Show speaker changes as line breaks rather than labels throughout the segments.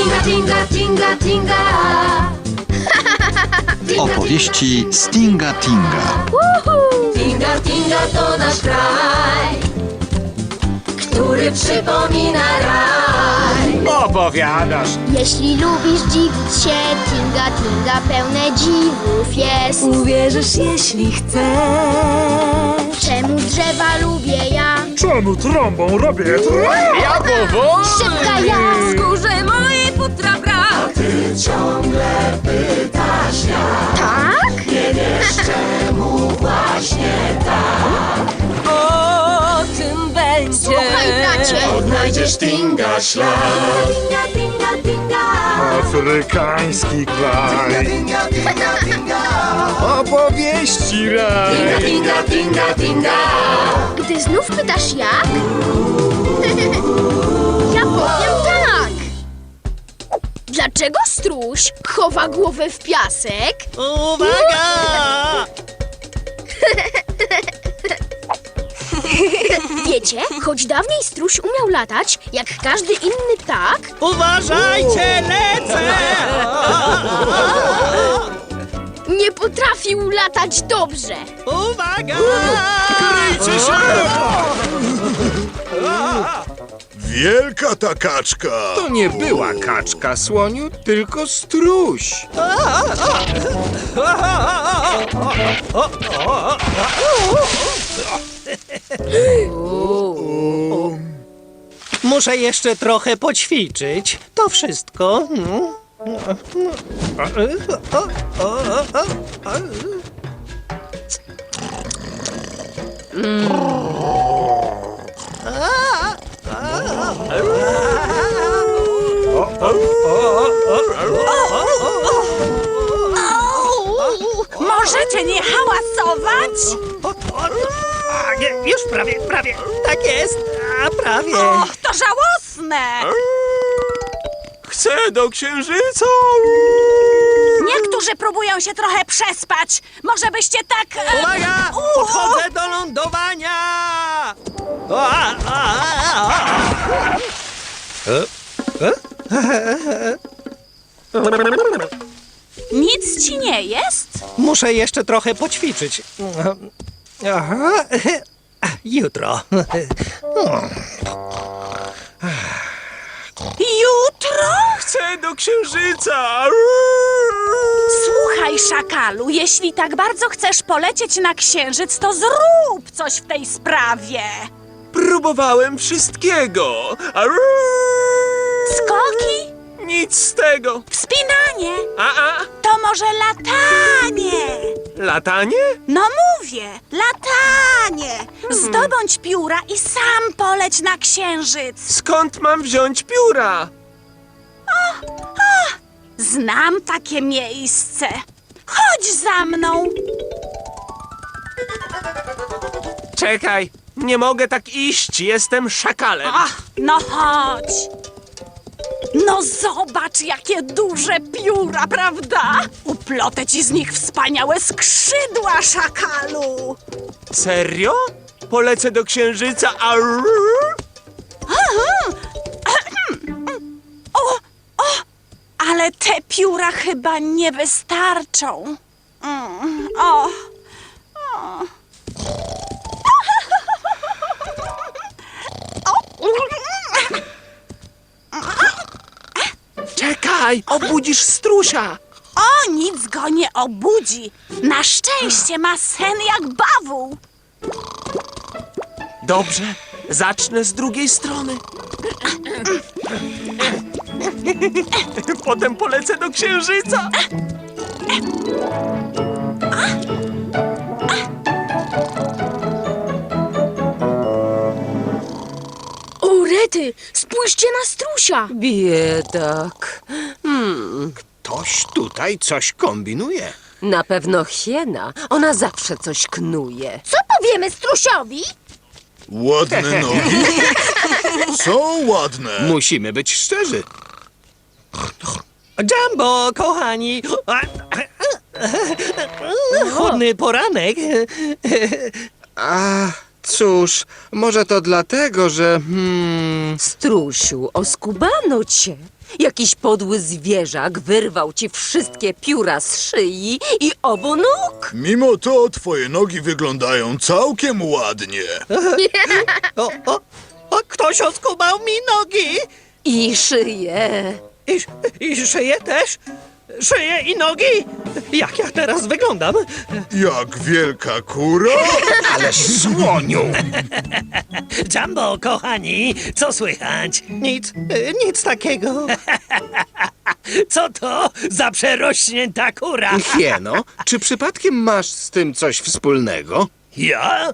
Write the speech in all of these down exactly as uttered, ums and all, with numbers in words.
Tinga, tinga, tinga, tinga.
Opowieści Stinga Tinga.
Tinga, tinga to nasz kraj, który przypomina raj.
Opowiadasz.
Jeśli lubisz dziwić się, Tinga Tinga pełne dziwów jest.
Uwierzysz, jeśli chcesz.
Czemu drzewa lubię ja?
Czemu trąbą robię trąb? Ja powoli.
Szybka ja!
Skórze mojej futra brak. Ty ciągle pytasz jak.
Tak?
Nie wiesz czemu właśnie tak. O tym będzie.
Słuchaj, bracie!
Odnajdziesz Tinga ślad. Tinga, tinga, tinga.
Afrykański kraj.
Tinga, tinga, tinga.
Opowieści raj.
Tinga, tinga, tinga.
Gdy znów pytasz jak? Ja powiem tak! Dlaczego struś chowa głowę w piasek?
Uwaga!
Wiecie, choć dawniej struś umiał latać, jak każdy inny ptak,
Uważajcie, lecę!
nie potrafił latać dobrze.
Uwaga!
Kryjcie się!
Wielka ta kaczka!
To nie była kaczka, słoniu, tylko struś.
Muszę jeszcze trochę poćwiczyć. To wszystko.
Możecie nie hałasować?
A, nie, już prawie, prawie. Tak jest. A prawie.
Och, to żałosne!
Chcę do księżyca.
Niektórzy próbują się trochę przespać. Może byście tak... e,
Uwaga!
u-
Podchodzę do lądowania! A, a, a, a.
Nic ci nie jest?
Muszę jeszcze trochę poćwiczyć. Aha. Jutro.
Jutro?
Chcę do księżyca.
Słuchaj, szakalu, jeśli tak bardzo chcesz polecieć na księżyc, to zrób coś w tej sprawie.
Próbowałem wszystkiego.
Skoki?
Nic z tego.
Wspinanie?
A, a,
To może latanie?
latanie?
No mówię, latanie! Zdobądź pióra i sam poleć na księżyc.
Skąd mam wziąć pióra?
Znam takie miejsce. Chodź za mną.
Czekaj, nie mogę tak iść, jestem szakalem.
Ach, no chodź. No zobacz, jakie duże pióra, prawda? Uplotę ci z nich wspaniałe skrzydła, szakalu.
Serio? Polecę do księżyca, a...
O, o, ale te pióra chyba nie wystarczą. Mm, o, o.
Czekaj, obudzisz strusia.
O, nic go nie obudzi. Na szczęście ma sen jak bawół.
Dobrze, zacznę z drugiej strony. Potem polecę do księżyca.
O, rety, spójrzcie na strusia!
Biedak. Hmm,
Ktoś tutaj coś kombinuje.
na pewno hiena. Ona zawsze coś knuje.
Co powiemy strusiowi?
Ładne nogi? Są ładne.
Musimy być szczerzy.
Jumbo, kochani! Chłodny poranek.
A, cóż, może to dlatego, że... Hmm,
Strusiu, oskubano cię. Jakiś podły zwierzak wyrwał ci wszystkie pióra z szyi i obu nóg.
Mimo to twoje nogi wyglądają całkiem ładnie.
O, o, o, ktoś oskubał mi nogi!
I szyję.
I, I szyję też? Szyję i nogi? Jak ja teraz wyglądam?
Jak wielka kura?
Ależ słoniu!
Jumbo, kochani, co słychać? Nic, y, nic takiego. Co to za przerośnięta kura?
Hieno, czy przypadkiem masz z tym coś wspólnego?
Ja?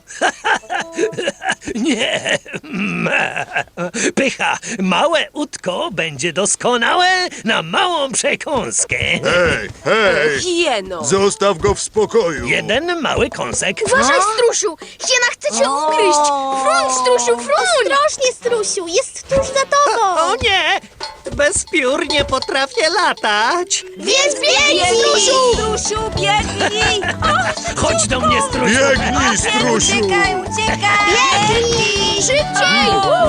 Nie. Pycha, małe utko będzie doskonałe na małą przekąskę.
Hej, hej!
Hieno.
Zostaw go w spokoju.
Jeden mały kąsek.
Uważaj, strusiu! Hiena chce cię ugryźć! Fruń, strusiu, fruń! Ostrożnie, strusiu, jest tuż za tobą!
O nie! Bez piór nie potrafię latać.
Więc biegnij, strusiu!
Strusiu, biegnij!
Chodź do mnie, strusiu.
Biegnij, strusiu!
Uciekaj, uciekaj!
Biegnij! Szybciej!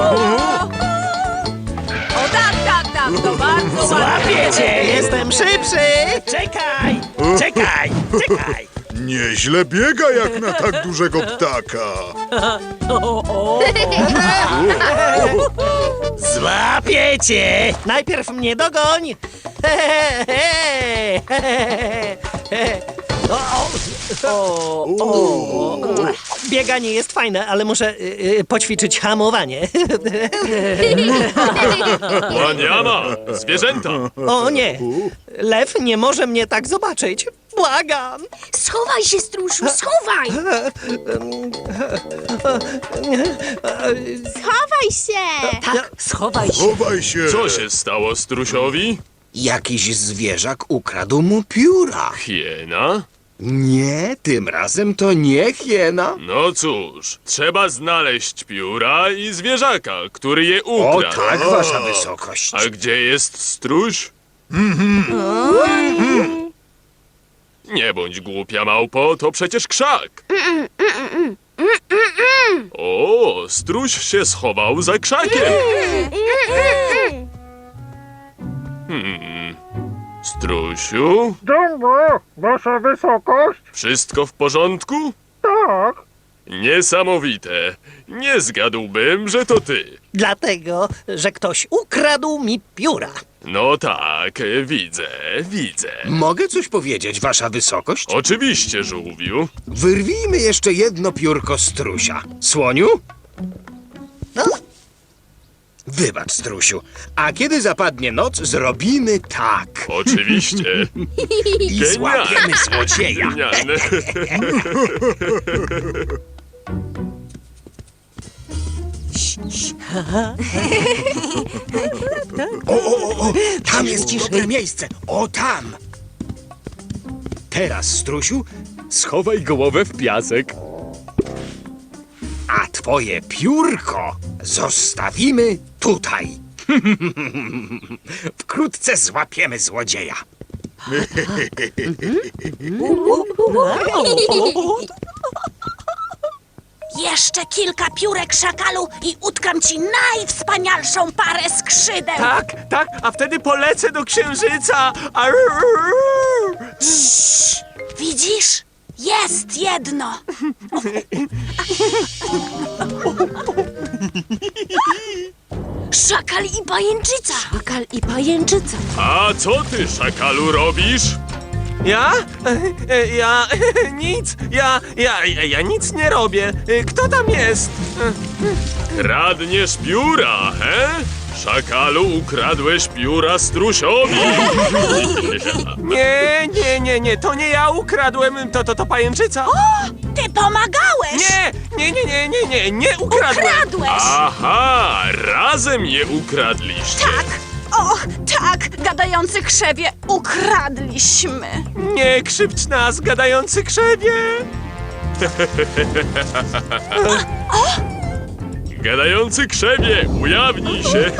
O tak, tak, tak, to bardzo ładnie.
Złapię cię, jestem szybszy. Czekaj, czekaj, czekaj.
Nieźle biega jak na tak dużego ptaka.
Złapię cię. Najpierw mnie dogoń. O, o, o, o. Bieganie jest fajne, ale muszę y, y, poćwiczyć hamowanie.
Łaniana, zwierzęta.
O nie, lew nie może mnie tak zobaczyć. Błagam.
Schowaj się, strusiu, schowaj! Schowaj się!
Tak, schowaj się.
Chowaj się.
Co się stało strusiowi?
Jakiś zwierzak ukradł mu pióra.
Hiena?
Nie, tym razem to nie hiena.
No cóż, trzeba znaleźć pióra i zwierzaka, który je
O
ukradł.
tak, wasza wysokość.
A gdzie jest struś? Nie bądź głupia, małpo, to przecież krzak. O, struś się schował za krzakiem. Hmm. Strusiu?
Jumbo, wasza wysokość?
Wszystko w porządku?
Tak.
Niesamowite. Nie zgadłbym, że to ty.
Dlatego, że ktoś ukradł mi pióra.
No tak, widzę, widzę.
Mogę coś powiedzieć, wasza wysokość?
Oczywiście, żółwiu.
Wyrwijmy jeszcze jedno piórko strusia. Słoniu?
No.
Wybacz, strusiu. A kiedy zapadnie noc, zrobimy tak.
Oczywiście.
I złapiemy złodzieja.
Genialne.
O, o, o, o, tam jest dobre miejsce. O, tam. Teraz, strusiu, schowaj głowę w piasek. A twoje piórko zostawimy tutaj. Wkrótce złapiemy złodzieja.
Jeszcze kilka piórek, szakalu, i utkam ci najwspanialszą parę skrzydeł.
Tak, tak, a wtedy polecę do księżyca.
Widzisz? Jest jedno.
Szakal i pajęczyca!
Szakal i pajęczyca.
A co ty, szakalu, robisz?
Ja? E, e, Ja... nic. Ja... Ja... Ja, ja nic nie robię. E, Kto tam jest?
Kradniesz pióra, he? Szakalu, ukradłeś pióra strusiowi.
Nie, nie, nie, nie. To nie ja ukradłem. To, to, to pajęczyca.
Ty pomagałeś.
Nie, nie, nie, nie, nie, nie. Nie ukradłem.
Ukradłeś.
Aha, razem je ukradliście.
Tak. O, tak, gadający krzewie, ukradliśmy.
Nie krzywdź nas, gadający krzewie.
Gadający krzewie, ujawnij się.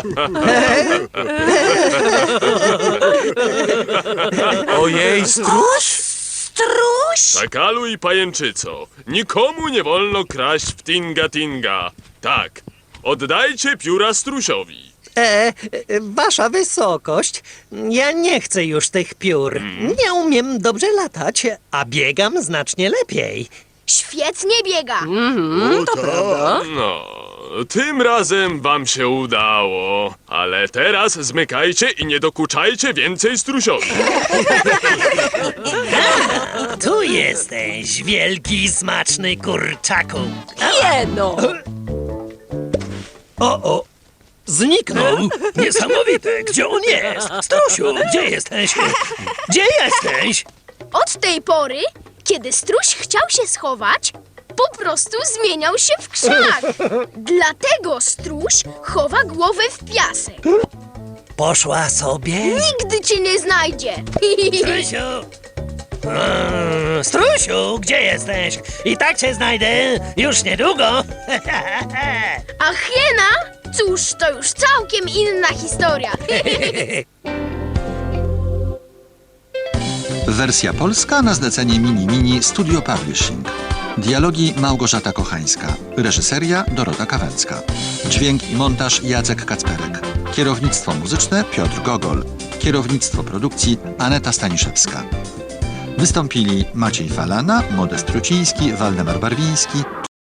Ojej, struś?
Struś?
Szakalu i pajęczyco, nikomu nie wolno kraść w Tinga Tinga. Tak, oddajcie pióra strusiowi.
E, e, wasza wysokość, ja nie chcę już tych piór. Nie umiem dobrze latać, a biegam znacznie lepiej.
Świetnie biega.
O,
To
tak.
prawda?
No, tym razem wam się udało. Ale teraz zmykajcie i nie dokuczajcie więcej strusiowi.
Tu jesteś, wielki, smaczny kurczaku.
Jeno!
O, o, zniknął. Niesamowite, gdzie on jest? Strusiu, gdzie jesteś? Gdzie jesteś?
Od tej pory, kiedy struś chciał się schować, po prostu zmieniał się w krzak. Dlatego struś chowa głowę w piasek.
Poszła sobie?
Nigdy cię nie znajdzie.
Strusiu! Mm, Strusiu, gdzie jesteś? I tak cię znajdę już niedługo.
A hiena? Cóż, to już całkiem inna historia.
Wersja polska na zlecenie Mini Mini Studio Publishing. Dialogi Małgorzata Kochańska. Reżyseria Dorota Kawęcka. Dźwięk i montaż Jacek Kacperek. Kierownictwo muzyczne Piotr Gogol. Kierownictwo produkcji Aneta Staniszewska. Wystąpili Maciej Falana, Modest Truciński, Waldemar Barwiński,